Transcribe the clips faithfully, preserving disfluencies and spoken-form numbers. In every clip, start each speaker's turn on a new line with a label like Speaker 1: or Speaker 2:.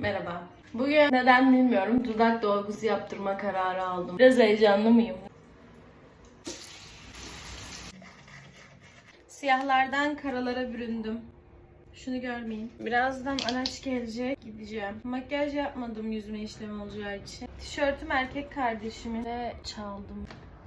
Speaker 1: Merhaba. Bugün neden bilmiyorum dudak dolgusu yaptırma kararı aldım. Biraz heyecanlı mıyım? Siyahlardan karalara büründüm. Şunu görmeyin. Birazdan araç gelecek. Gideceğim. Makyaj yapmadım yüzüme işlem olacağı için. Tişörtüm erkek kardeşimin ve çaldım.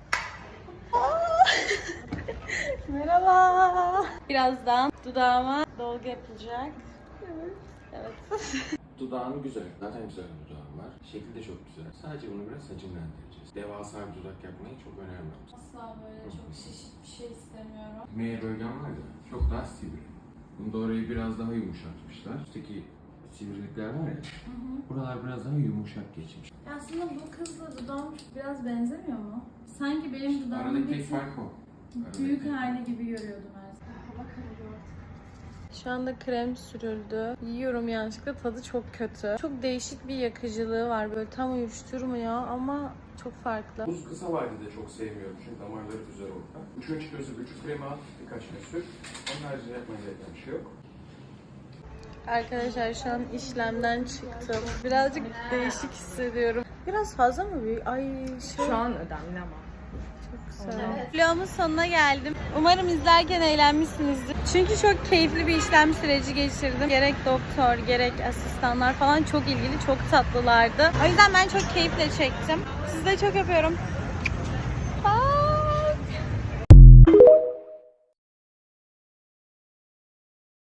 Speaker 1: Merhaba. Birazdan dudağıma dolgu yapılacak. Evet. Evet.
Speaker 2: Dudağın güzel. Zaten güzel bir dudağın var. Şekli de çok güzel. Sadece bunu biraz hacimlendireceğiz. Devasa bir dudak yapmayı çok önermem.
Speaker 1: Asla böyle çok şişik bir şey istemiyorum.
Speaker 2: Meye bölgen var ya, çok daha sivri. Bunda orayı biraz daha yumuşatmışlar. Üstteki sivrilikler var ya, hı hı. Buralar biraz daha yumuşak geçmiş.
Speaker 1: Aslında bu kızla dudağım biraz benzemiyor mu? Sanki benim dudağımın
Speaker 2: Aradaki
Speaker 1: bir
Speaker 2: tek fark o.
Speaker 1: büyük hali gibi görüyordum her zaman. Hava kararıyor artık. Şu anda krem sürüldü. Yiyorum yanlışlıkla, tadı çok kötü. Çok değişik bir yakıcılığı var, böyle tam uyuşturmuyor ama çok farklı.
Speaker 2: Buz kısa vadede çok sevmiyorum çünkü damarları güzel orada. Üçüncü gözü vücut kremi al, birkaç gün sür. Onun haricinde yapmaya gereken bir şey yok.
Speaker 1: Arkadaşlar şu an işlemden çıktım. Birazcık değişik hissediyorum. Biraz fazla mı büyük? Ay şey...
Speaker 3: Şu an önemli ama.
Speaker 1: Çok güzel. Vlogumun sonuna geldim. Umarım izlerken eğlenmişsinizdir. Çünkü çok keyifli bir işlem süreci geçirdim. Gerek doktor, gerek asistanlar falan çok ilgili, çok tatlılardı. O yüzden ben çok keyifle çektim. Sizi de çok öpüyorum.